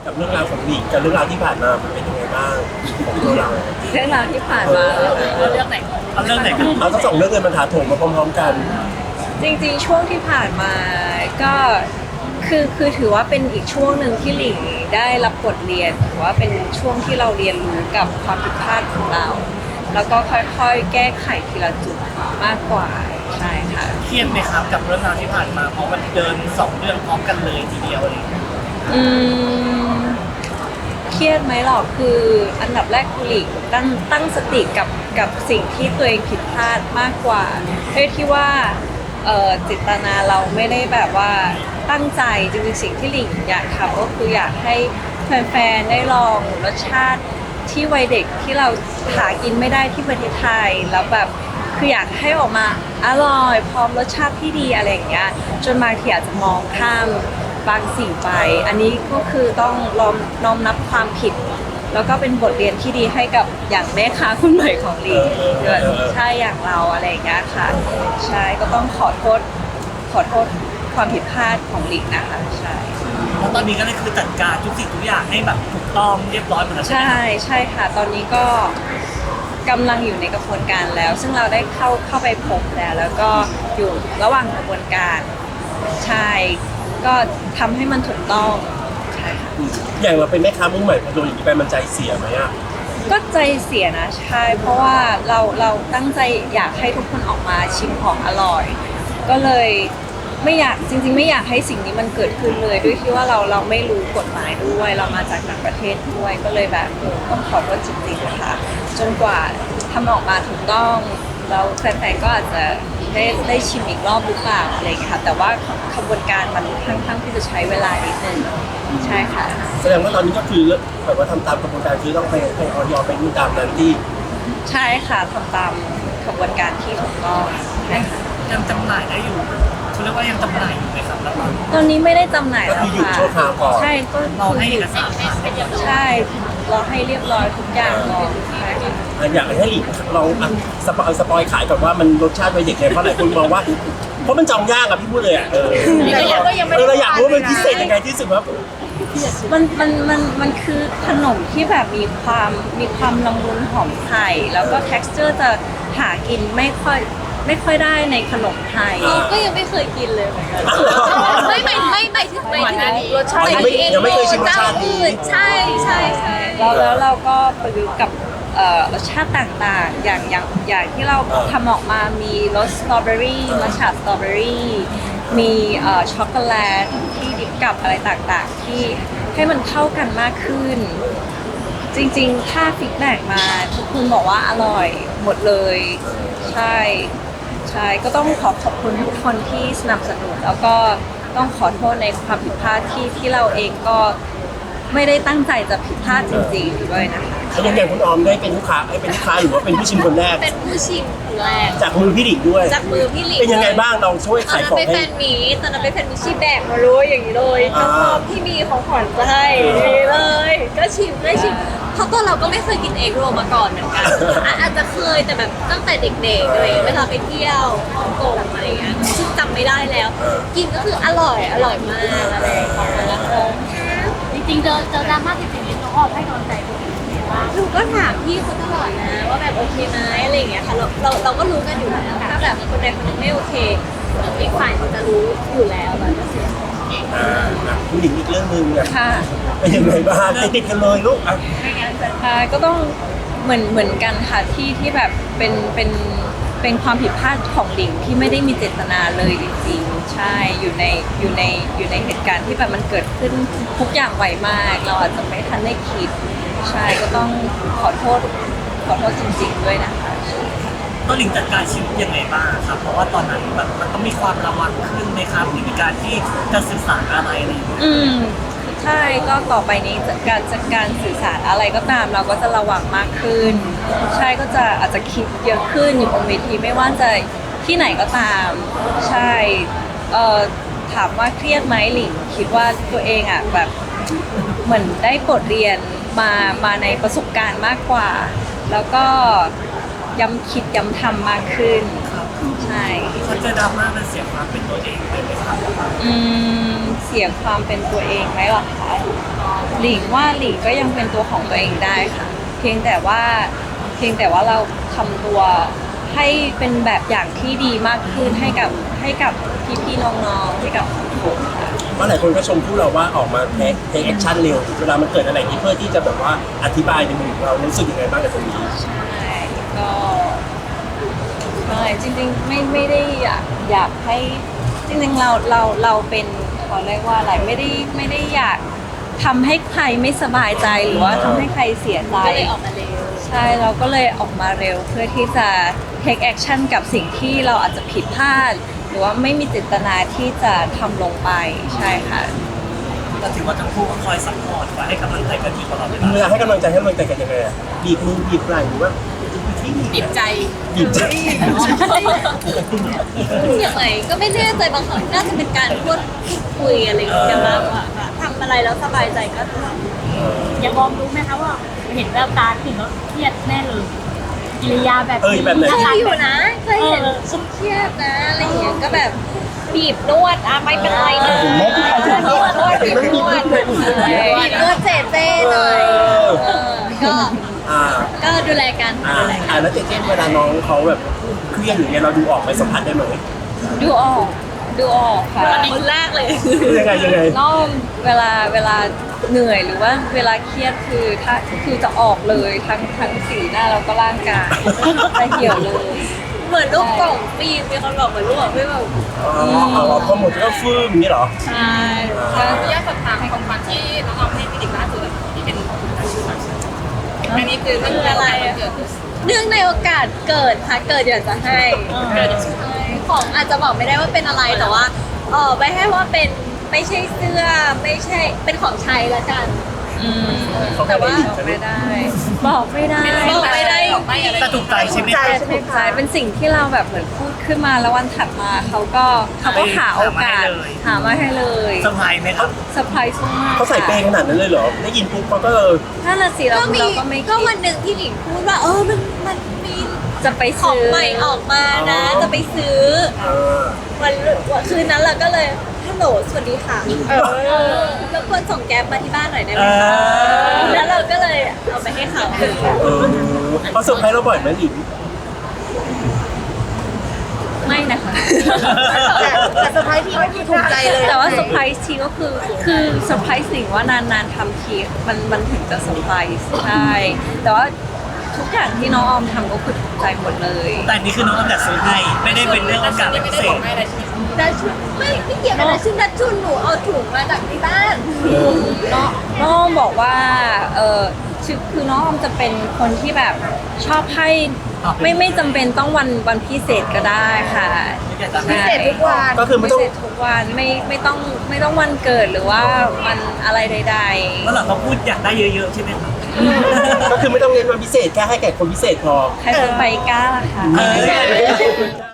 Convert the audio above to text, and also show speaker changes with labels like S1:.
S1: กับเรื่องราวของหลีกกับเรื่องราวที่ผ่านมามันเป็นยังไงบ้างของตัวเรา
S2: เรื่องราวที่ผ่านมาเรื่องไหน
S3: เอาเรื่องไหนกัน
S1: เอาทั้งสองเรื่องเลยมันถาโถมมาพร้อมๆกัน
S2: จริงๆช่วงที่ผ่านมาก็คือถือว่าเป็นอีกช่วงหนึ่งที่หลิงได้รับบทเรียนถือว่าเป็นช่วงที่เราเรียนรู้กับความผิดพลาดของเรา แล้วก็ค่อยๆแก้ไขทีละจุดมากกว่าใช่ค่ะ
S3: เครียดไหมครับกับเรื่องราวที่ผ่านมาเพราะมันเดินสองเรื่องพร้อมกันเลยทีเดียวอะไรอย่างเลย
S2: อืมเครียดไหมหรอกคืออันดับแรกคือหลีกตั้งสติกับสิ่งที่ตัวเองผิดพลาดมากกว่าด้วยที่ว่าเจตนาเราไม่ได้แบบว่าตั้งใจจริงๆสิ่งที่หลิงอยากทำก็คืออยากให้แฟนๆได้ลองรสชาติที่วัยเด็กที่เราหากินไม่ได้ที่ประเทศไทยแล้วแบบคืออยากให้ออกมาอร่อยพร้อมรสชาติที่ดีอะไรอย่างเงี้ยจนบางทีอาจจะมองข้ามบางสิ่งไปอันนี้ก็คือต้องน้อมรับความผิด แล้วก็เป็นบทเรียนที่ดีให้กับอย่างแม่ค้าคนใหม่ของลีใช่อย่างเราอะไรอย่างเงี้ยค่ะใช่ก็ต้องขอโทษความผิดพลาดของลีนะคะใช่
S3: แล้วตอนนี้ก็เลยคือจัดการทุกสิ่งทุกอย่างให้แบบถูกต้องเรียบร้อยหมดแล้วใช่ไหม
S2: ใช่ใช่ค่ะ ตอนนี้ก็กำลังอยู่ในกระบวนการแล้ว ซึ่งเราได้เข้าไปพบแล้วก็อยู่ระหว่างกระบวนการใช่ก็ทำให้มันถูกต้องใช่ค่ะ
S1: อย่างเราเป็นแม่ค้ามือใหม่พอโดนอย่างนี้ไปมันใจเสียไหมอ่ะ
S2: ก็ใจเสียนะใช่เพราะว่าเราตั้งใจอยากให้ทุกคนออกมาชิมของอร่อย ก็เลยไม่อยากจริงๆไม่อยากให้สิ่งนี้มันเกิดขึ้นเลยด้วยที่ว่าเราไม่รู้กฎหมายด้วยเรามาจากต่างประเทศด้วยก็เลยแบบต้องขอโทษจริงๆนะคะจนกว่าทำออกมาถูกต้องแล้วแฟนๆก็อาจจะได้ชิมอีกรอบหรือเปล่าอะไรอย่างเงี้ยค่ะแต่ว่าขบวนการมันค่อนข้างที่จะใช้เวลานิดนึงใช่ค่ะ
S1: แสดงว่าตอนนี้ก็คือแบบว่าทำตามกระบวนการคือต้องให้ออยไปดูตามนั้นที่
S2: ใช่ค่ะทำตามขบวนการที่ถูกต้องใช่ค่ะ
S3: ยังจำหน่ายได้อยู่เขาเรียกว่ายังจำหน่ายอยู่ไหมครับแล้วก็
S2: ตอนนี้ไม่ได้จำหน่าย
S1: ก็
S2: แล้ว
S1: คือหยุด
S2: ค่ะ
S1: ชั่วคราวก่อน
S2: ใช่ก็
S3: รอให้เอกสารผ่านเรียบร้อย
S2: ใช่รอให้เรียบร้อยทุกอย่างก่อนใช่ค่ะ
S1: อยากให้หลีกลองสปอยขายก่อนว่ามันรสชาติวัยเด็กไงเพราะหลายคนมองว่า เพราะมันจองยากอะพี่พูดเลยอะเราอยากรู้ว่ามันพิเศษยังไงที่สุดว่า
S2: มันคือขนมที่แบบมีความละมุนหอมไข่แล้วก็ texture จะหากินไม่ค่อยได้ในขนมไทย
S4: ก็ยังไม่เคยกินเลยเหมือนกัน ไม่ถึงรสชาติ
S1: ยังไม่เคยชิมรสชาตินี้
S4: ใช่ใช่ใช่
S2: แล้วเราก็ประยุกต์กับรสชาติต่างๆ อย่างที่เราทำออกมามีรสสตรอเบอรี่มัทฉะสตรอเบอรี่มีช็อกโกแลตที่ดิบกับอะไรต่างๆ ที่ให้มันเข้ากันมากขึ้น จริงๆ ถ้าฟีดแบ็กมาทุกคนบอกว่าอร่อยหมดเลย ใช่ก็ต้องขอบคุณทุกคนที่สนับสนุนแล้วก็ต้องขอโทษในความผิดพลาดที่เราเองก็ไม่ได้ตั้งใจจะผิดพลาดจริงๆด้วยนะคะ
S1: อย่างคุณออมได้เป็นลูกค้าหรือว่าเป็นผู้ชิมคนแรก
S4: เป็นผู้ชิมคนแรก
S1: จากมือพี่หลิงด้วย
S4: จากมือพี่หลิง
S1: เป็นยังไงบ้างเราช่วย
S4: ตอน
S1: ขาย
S4: นั้
S1: ของ
S4: นไปแฟ
S1: ให้
S4: นมีตอนนั้นไปแฟนมีชีแบกมารู้อย่างนี้เลยน้องพร้อมพี่มีของขวัญจะให้นี่เลย ก็ชิมได้ชิมเพราะตัวเราก็ไม่เคยกินเอ็กโรลมาก่อนเหมือนกันอาจจะเคยแต่แบบตั้งแต่เด็กๆอะไรเวลาไปเที่ยวฮ่องกงอะไรอย่างเงี้ยซึ่งจำไม่ได้แล้ว กินก็คืออร่อยมากอะไรของมันแล้ว
S5: จริงๆเจอดราม่าจริงๆนี่น้องออมให้กำลังใจตัวเองยังไงบ้าง
S4: หนูก็ถามพี่เขาตลอดนะว่าแบบโอเคไหมอะไรอย่างเงี้ยค่ะเราก็รู้กันอยู่แล้วถ้าแบบคนใดคนหนึ่งไม่โอเคอีกฝ่ายเขาจะรู้อยู่แล้วแบบก็เสีย
S1: คุณหลิงอีกเรื่องหนึงอะ
S2: ค่ะ
S1: เป็นยังไงบ้างติดกันเลยลูกอ่ะ
S2: ก็ต้องเหมือนกันค่ะที่แบบเป็นความผิดพลาดของหลิงที่ไม่ได้มีเจตนาเลยจริงๆใช่อยู่ในเหตุการณ์ที่แบบมันเกิดขึ้นทุกอย่างไวมาก เราอาจจะไม่ทันได้คิดใช่ก็ต้องขอโทษจริงๆด้วยนะคะ
S3: ต้นหลิงจัดการชีวิตยังไงบ้างครับเพราะว่าตอนนั้นแบบมันต้องมีความระวังขึ้นไหมครับในการที่จะสื่อสารอะไรอะไรอย่างเงี้ย
S2: ใช่ก็ต่อไปนี้จัดการสื่อสารอะไรก็ตามเราก็จะระวังมากขึ้น ใช่ก็จะอาจจะคิดเยอะขึ้นอยู่บนเวทีไม่ว่าจะที่ไหนก็ตาม ใช่ถามว่าเครียดไหมหลิงคิดว่าตัวเองอ่ะแบบเหมือนได้บทเรียนมาในประสบการณ์มากกว่า แล้วก็ย้ำคิดย้ำทำมากขึ้นใช่
S3: เขาเจอดราม่ามันเสียความเป็นตัวเองไปไหมครับ
S2: เสียความเป็นตัวเองไหมหรอคะหลิงว่าหลิงก็ยังเป็นตัวของตัวเองได้ค่ะ เพียงแต่ว่าเราทำตัวให้เป็นแบบอย่างที่ดีมากขึ้นให้กับพี่ๆน้องๆให้กับสังคมค่ะ
S1: เพราะหลายคนก็ชมพวกเราว่าออกมาเทคแอคชั่นเร็วเวลามันเกิดอะไรนี้เพื่อที่จะแบบว่าอธิบายในมุมของเรารู้สึกยังไงบ้างกับตรงนี้
S2: ใช่ก็ใช่จริงๆไม่ได้อยากให้จริงๆเราเป็นเขาเรียกว่าอะไรไม่ได้อยากทำให้ใครไม่สบายใจหรือว่าทำให้ใครเสียใจ
S4: ก็เลยออกมาเร็ว
S2: ใช่เราก็เลยออกมาเร็วเพื่อที่จะ take action กับสิ่งที่เราอาจจะผิดพลาด หรือว่าไม่มีเจตนาที่จะทำลงไปใช่ค่ะ
S3: ก็ถือว่าทั้งคู่ก็คอยซัพพอร์ตคอยให้กำลังใจกันอยู่ตลอดเวลา
S1: เวลาให้กำลังใจกันยังไงอะบีบมือบีบไหล่หรือว่าที่บีบใจบีบใจ
S4: อย่างไรก็ไม่แน่ใจบางครั้งน่าจะเป็นการพูดคุยอะไรอย่างเงี้ยมากกว่าค่ะทำอะไรแล้วสบายใจก็ทำ
S5: อย่ามองรู้ไหมคะว่าเห็นแววตาถึงแล้วเครียดแน่เลยกิริยาแบบ
S1: แบบไหน
S4: เคยอยู่นะเคยเห็นฉันเครียดนะอะไรอย่างเงี้ยก็แบบบีบนวดไม่เป็นไรนะนวดบีบนวดเจ๊หน่อยก็
S1: อ่า
S4: ก็ดูแลกัน
S1: แล้วเจ๊เวลาน้องเขาแบบเครียดอย่างเงี้ยเราดูออกไปสัมผัสได้ไหม
S2: ดูออกค่ะ
S4: คนแรกเลย
S1: ยังไง
S2: น้องเวลาเหนื่อยหรือว่าเวลาเครียดคือจะออกเลยทั้งสีหน้าแล้วก็ร่างกายจะเหี่ยวเลย
S4: เหมือนลูกกล่องปีนมีคนบอกเหมือนลูกกล่องปีนแบบ
S1: พอหมดก็ฟื้นอย่างนี้เหรอ
S2: ใช่
S6: ยากสอบถามของขวัญที่น้องออมให้พี่ดิ๊กล่าสุดที่เป็นอันนี้คือมันคืออะไรเกิด
S4: เนื่องในโอกาสเกิดค่ะเกิดอยากจะให้ของอาจจะบอกไม่ได้ว่าเป็นอะไรแต่ว่าไปให้ว่าเป็นไม่ใช่เสื้อไม่ใช่เป็นของใช้ละกัน แต่ว่า
S2: บอกไม่ได้บอกไม่ได้
S3: แต่ถูกใจใช่ไหมคะ
S2: ถูกใจเป็นสิ่งที่เราแบบเหมือนพูดขึ้นมาแล้ววันถัดมาเขาก็หาโอกาสหามาให้เลย
S3: เซอร์ไพรส์ไหมครับ
S2: เซอร์ไพรส์มาก
S1: เขาใส่เปย์ขนาดนั้นเลยเหรอได้ยินปุ๊บเขาก็
S2: ถ้าน่ะสิเรา
S4: ก็มี
S2: ก็ไม่
S4: ก็
S2: คิ
S4: วั
S2: ด
S4: นหนึ่งที่หลิงพูดว่ามันมี
S2: จะไป
S4: ของ
S2: ซื้อ
S4: ใหม่ออกมานะจะไปซื้อวันคืนนั้นเราก็เลยฮัลโหลสวัสดีค่ะแล้วควรส่งแก๊ปมาที่บ้านหน่อยได้ไหมคะแล้วเราก็เลยเอาไปให้เขา
S1: เขาเซอร์ไพรส์เราบ่อยไหมหลิง
S2: ไม่นะคะ
S6: แต่เซอร์ไพรส์ที่ไม่ถูกใจเลย
S2: แต่ว่าเซอร์ไพรส์ทีก็คือเซอร์ไพรส์สิ่งว่านานๆทำทีมันถึงจะเซอร์ไพรส์ใช่แต่ว่าทุกอย่างที่น้องออมทำก็คือถูกใจหมดเลย
S3: แต่อันนี้คือน้องแต่ซื้อให้ไม่ได้เป็นเรื่องโอกาสพิเศษ
S4: ดัชชุนไม่เกี่ยวกับดัชชุนหนูเอาถุงมาจากที่บ้าน
S2: น้องออมบอกว่าคือน้องออมจะเป็นคนที่แบบชอบให้ไม่จำเป็นต้องวันพิเศษก็ได้ค่ะ
S4: พิเศษทุกวัน
S1: ก็คือไม่
S2: พิ
S1: ต้อง
S2: เศษทุกวันไม่ต้องวันเกิดหรือว่าวันอะไรใด
S3: แล้วหลังเขาพูดอยากได้เยอะๆใช่ไหมครับ
S1: ก็คือไม่ต้องเน้นวันพิเศษแค่ให้แก่คนพิเศษพอ
S2: ๆใครจะไปกล้าล่ะคะ
S1: เออ